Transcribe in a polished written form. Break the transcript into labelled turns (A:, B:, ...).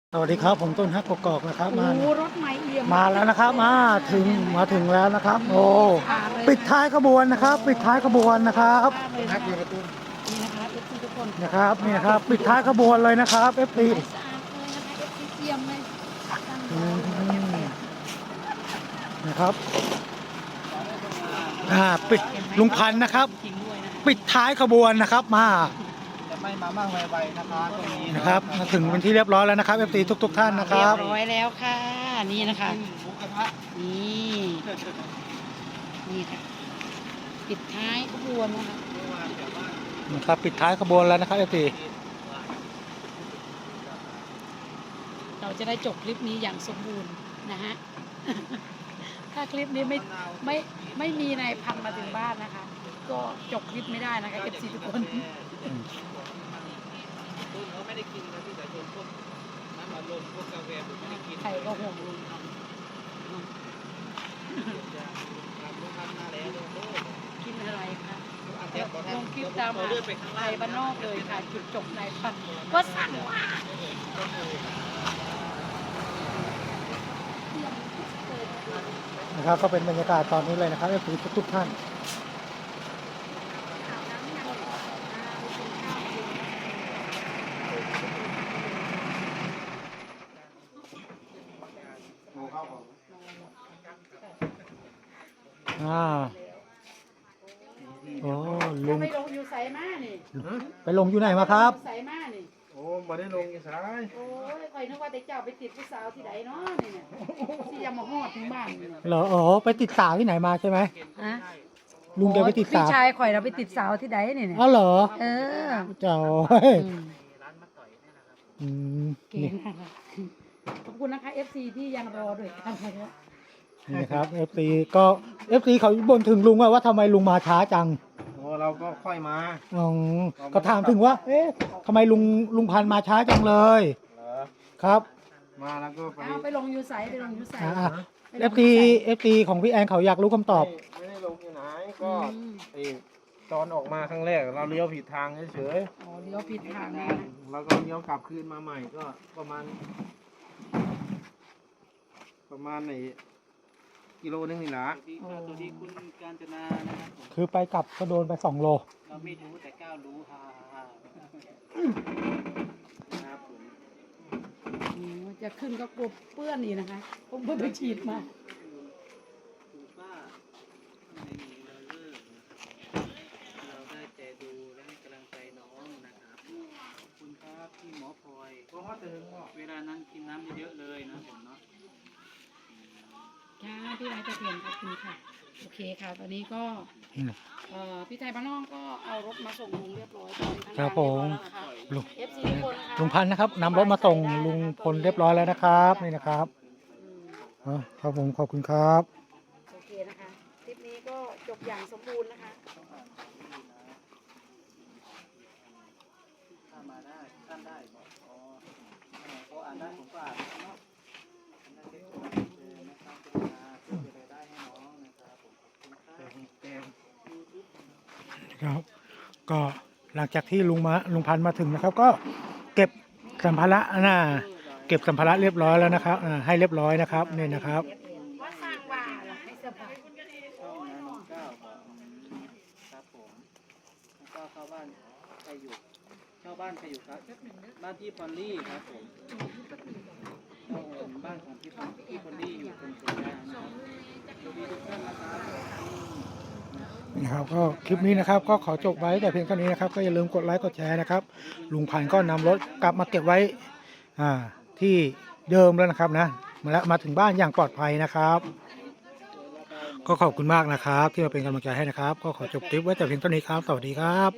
A: สวัสดีครับผมต้นฮักกอกนะครับ
B: โอ้รถใหม่เอี่ยม
A: มาแล้วนะครับมาถึงแล้วนะครับโอ้ปิดท้ายขบวนนะครับปิดท้ายขบวนนะครับ
B: ฮักเลยประตูนี่นะคะเอฟซีทุกคน
A: นะครับนี่นะครับปิดท้ายขบวนเลยนะครับเอฟซี
B: สะอาดเลยนะคะเอฟซีเอี่ยมเลย
A: นะครับปิดลุงพันธ์นะครับปิดท้ายขบวนนะครับมา
C: จะไม่มามั่งไวๆนะคะตรงนี้
A: นะครับมาถึงเป็นที่เรียบร้อยแล้วนะครับเอฟซีทุกท่านนะค
B: เรีย
A: รั
B: บบ ร้อยแล้วค่ะนี่นะคะ
C: หมูกระทะ
B: นี่นี่ค่ะปิดท้ายขบวนนะคะ
A: นะครับปิดท้ายขบวนแล้วนะครับเอฟซี
B: เราจะได้จบคลิปนี้อย่างสมบูรณ์นะฮะถ้าคลิปนี้ไม่มีนายพันมาถึงบ้านนะคะก็จบคลิปไม่ได้นะคะเอฟซีทุกคน
C: เขาไม่ได้กินนะพี่สายชนพวกน้ำอัดลมพวกกาแฟผมไม่ได้กิน
B: ใครก็ห่วงลุงกินอะไรคะลงคลิปตามมาไทยบ้านนอกเลยค่ะจุดจบนายพันก็สั่งว่า
A: นะครับก็เป็นบรรยากาศตอนนี้เลยนะครับเอฟซีทุกท่านโอ้ลุง
B: ไปลงอยู่ใส่มานี่
A: ไปลงอยู่ไหนมาครับ
B: ใส่มานี่
C: โอ้มาได้ลงยังไง
B: โอ้ยคอยนึกว่าแต่เจ้าไปติดผู้สาวที่ไหนเนาะนี่เนี่ยที่ยังมาฮอดถึงบ้านนี่
A: เหรออ๋อไปติดสาวที่ไหนมาใช่ไหม
B: ฮะ
A: ลุงจะไปติดสาว
B: พี่ชายข่อยเราไปติดสาวที่ไหนนี่เนี่ย
A: อ๋อเหรอเจ้า
B: เก่งนะคะขอบคุณนะคะ FC ที่ยังรอด้วยกันนะคะ
A: นี่ครับ FC ก็ FC เขาบ่นถึงลุงว่าทำไมลุงมาช้าจัง
C: โอ้เราก็ค่อยมา
A: อ๋อก็ถามถึงว่าเอ๊ะทำไมลุงพันธุ์มาช้าจังเลยครับ
C: มาแล้วก็
B: ไปลงยูไซไปลงยูไซ
A: FT ของพี่แอนเขาอยากรู้คำตอบ
C: ไม่ได้ลงที่ไหนก็ตอนออกมาครั้งแรกเราเลี้ยวผิดทางเฉย
B: ๆอ๋อเลี้ยวผิดทางนะ
C: แล้วก็เลี้ยวกลับคืนมาใหม่ก็ประมาณไหนกิโลนึงนี่นะตัวที่คุณกาญจนานะครับ
A: คือไปกลับก็โดนไป2 โล
C: เราไม่รู้แต่ก้าวรู้ฮ่าครับ
B: ผมจะขึ้นก็กลัวเปื้อนนี่นะคะผมเพิ่งไปฉีดมา
C: คุณป้าในนี้เราได้แต่ดูและให้กำลังใจน้องนะครับขอบคุณครับพี่หมอพลอยเวลานั้นกินน้ำเยอะเลยนะผมเนาะ
B: ค่ะพี่ไม้จะเปลี่ยนขอบคุณค่ะโอเคค่ะตอนนี้ก็พี่ไทยบ้านนอกก็เอารถมาส่งลุงเรียบร้อย
A: ครับผมลุง
B: พั
A: พันธ์นะครับนำรถมาส่งลุงพลเรียบร้อยแล้วนะครับนี่นะครับครับผมขอบคุณครับ
B: โอเคนะคะคลิปนี้ก็จบอย่างสมบูรณ์นะคะ
C: ถ้ามาได้ท่านได้เขาอ่านได้ผมก็อ่านเนาะ
A: ครับก็หลังจากที่ลุงพันธ์มาถึงนะครับก็เก็บสัมภาระเก็บสัมภาระเรียบร้อยแล้วนะครับให้เรียบร้อยนะครับนี่นะครับ
B: ว่าสร้างว่าให้เสื้อผ้า
C: ครับผมก็เข้าบ้านใครอยู่เข้าบ้านใครอยู่ครับบ้านพี่พอลลี่ครับผมบ้านของพี่พอลลี่อยู่ตรงสวนยางนะครับสวัสดีทุกท่าน
A: นะครับก็คลิปนี้นะครับก็ขอจบไว้แต่เพียงเท่านี้นะครับก็อย่าลืมกดไลค์กดแชร์นะครับลุงพันธ์ก็นำรถกลับมาเก็บไว้ที่เดิมแล้วนะครับนะมาถึงบ้านอย่างปลอดภัยนะครับก็ขอบคุณมากนะครับที่มาเป็นกำลังใจให้นะครับก็ขอจบคลิปไว้แต่เพียงเท่านี้ครับสวัสดีครับ